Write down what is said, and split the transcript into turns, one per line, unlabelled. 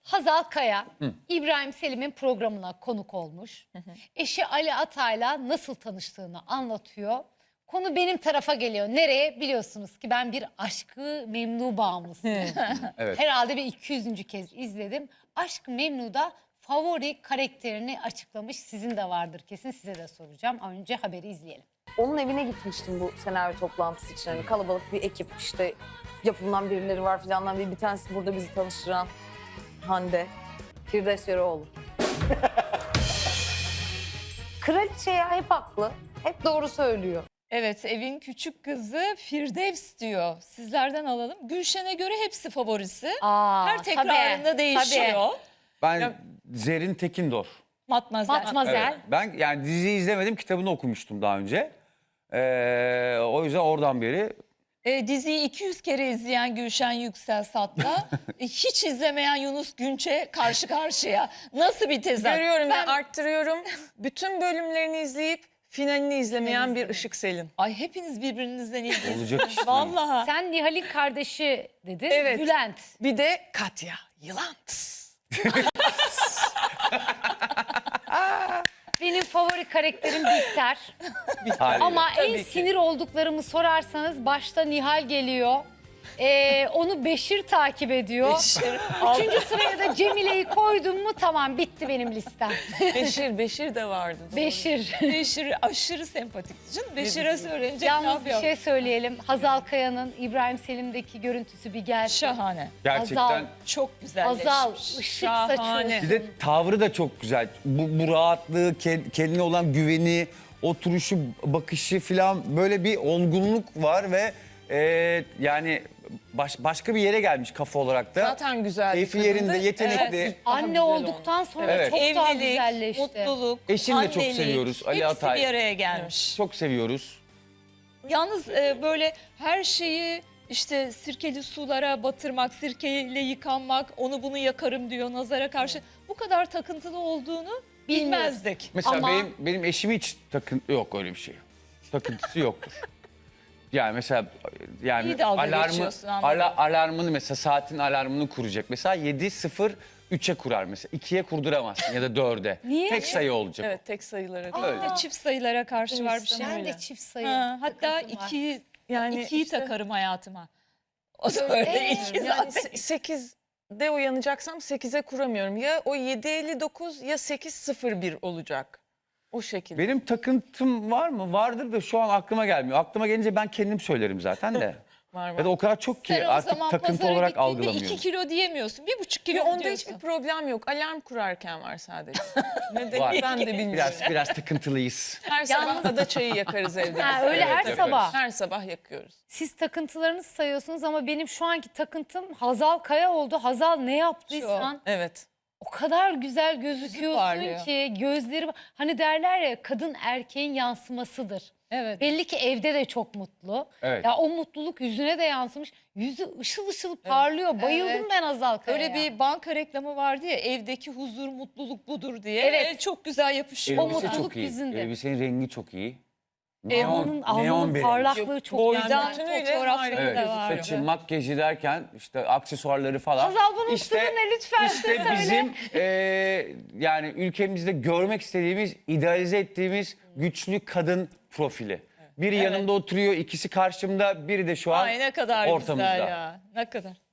Hazal Kaya, İbrahim Selim'in programına konuk olmuş. Eşi Ali Atay'la nasıl tanıştığını anlatıyor. Konu benim tarafa geliyor. Nereye? Biliyorsunuz ki ben bir Aşk-ı Memnu bağımlısıyım.
Evet.
Herhalde bir 200. kez izledim. Aşk-ı Memnu'da favori karakterini açıklamış. Sizin de vardır kesin, size de soracağım. Ama önce haberi izleyelim.
Onun evine gitmiştim bu senaryo toplantısı için. Hani kalabalık bir ekip, işte yapımdan birileri var filandan. Bir tanesi burada bizi tanıştıran Hande. Firdevs Yöreoğlu. Kraliçe ya, hep haklı. Hep doğru söylüyor.
Evet, evin küçük kızı Firdevs diyor. Sizlerden alalım. Gülşen'e göre hepsi favorisi. Her tekrarında değişiyor.
Ben Zerrin Tekindor.
Matmazel.
Matmazel.
Evet. Ben yani diziyi izlemedim, kitabını okumuştum daha önce. O yüzden oradan beri
Diziyi 200 kere izleyen Gülşen Yüksel Sat'la hiç izlemeyen Yunus Günç'e karşı karşıya. Nasıl bir tezat?
Görüyorum
Ben-
ve arttırıyorum. Bütün bölümlerini izleyip finalini izlemeyen bir Işık Selin.
Ay hepiniz birbirinizden ilgili.
olacak iş değil.
Vallahi.
Sen Nihal'in kardeşi dedin.
Evet.
Bülent.
Bir de Katya Yılan.
Benim favori karakterim Bihter.
Haliyle.
Ama en
Tabii ki.
sinir olduklarımı sorarsanız başta Nihal geliyor. Onu Beşir takip ediyor. Üçüncü sıraya da Cemile'yi koydum mu tamam, bitti benim listem.
Beşir de vardı. doğru.
Beşir.
Beşir aşırı sempatikti canım. Beşir'e söylenecek ne
Yalnız bir
yapıyor?
şey söyleyelim. Hazal Kaya'nın İbrahim Selim'deki görüntüsü bir gelsin.
Şahane.
Gerçekten.
Hazal.
Çok güzelleşmiş.
Hazal ışık
Şahane.
saçıyorsun.
Bir de tavrı da çok güzel. Bu rahatlığı, kendine olan güveni, oturuşu, bakışı falan, böyle bir olgunluk var ve yani başka bir yere gelmiş kafa olarak da.
Zaten güzel bir
Keyfi
kadındı.
yerinde, yetenekli.
Evet.
Anne
güzel
olduktan sonra
Evet.
çok daha
Evlilik,
güzelleşti.
mutluluk,
Eşini de çok
annelik,
seviyoruz, Ali
hepsi
Atay.
bir araya gelmiş.
Çok seviyoruz.
Yalnız böyle her şeyi işte sirkeli sulara batırmak, sirkeyle yıkanmak, onu bunu yakarım diyor nazara karşı. Bu kadar takıntılı olduğunu bilmezdik.
Mesela
Ama-
benim eşim hiç yok, öyle bir şey. Takıntısı yoktur. Yani mesela yani
İyi dalga geçiyorsun, anladım.
alarmını, mesela saatin alarmını kuracak. Mesela 7:03'e kurar mesela. 2'ye kurduramazsın ya da 4'e.
Niye?
Tek sayı olacak.
Evet, tek sayıları.
Öyle.
Bir de çift sayılara karşı var bir şey.
Ben
öyle.
de çift sayı.
Hatta
takıntım var.
ikiyi
işte-
takarım hayatıma. O da öyle iki
Yani
zaten.
8'de uyanacaksam 8'e kuramıyorum. Ya o 7:59 ya 8:01 olacak. O şekilde.
Benim takıntım var mı? Vardır da şu an aklıma gelmiyor. Aklıma gelince ben kendim söylerim zaten de.
Var var.
Ya da o kadar çok ki
Sen o
artık
zaman
takıntı
pazara
olarak
gittiğinde
algılamıyorum.
2 kilo diyemiyorsun. 1,5 kilo
Ya
mu
onda
diyorsun?
hiçbir problem yok. Alarm kurarken var sadece. Ne de
Var.
ben de bilmiyorum.
Biraz takıntılıyız.
Her sabah ada çayı yakarız evde.
Ha,
biz.
öyle her
yaparız.
sabah.
Her sabah yakıyoruz.
Siz takıntılarınızı sayıyorsunuz ama benim şu anki takıntım Hazal Kaya oldu. Hazal ne yaptıysan
Evet.
o kadar güzel gözüküyorsun
parlıyor.
ki, gözleri, hani derler ya, kadın erkeğin yansımasıdır.
Evet.
Belli ki evde de çok mutlu.
Evet.
Ya o mutluluk yüzüne de yansımış. Yüzü ışıl ışıl parlıyor. Bayıldım
Evet.
ben Hazal Kaya'ya.
Öyle bir banka reklamı vardı ya, evdeki huzur mutluluk budur diye.
Evet.
Çok güzel yapışıyor.
O
Elbise
mutluluk
çok iyi.
bizinde.
Elbisenin rengi çok iyi.
Alnının
beğenmiş.
parlaklığı çok
Boydan
bütün öyle
fotoğrafları
harika.
Evet,
da var.
saçı, makyajı derken işte aksesuarları falan.
Hazal bunun
İşte-
üstüne ne lütfen
İşte
söyle.
bizim yani ülkemizde görmek istediğimiz, idealize ettiğimiz güçlü kadın profili. Biri yanımda oturuyor, ikisi karşımda, biri de şu an
Ay ne kadar
ortamızda.
güzel ya. Ne kadar.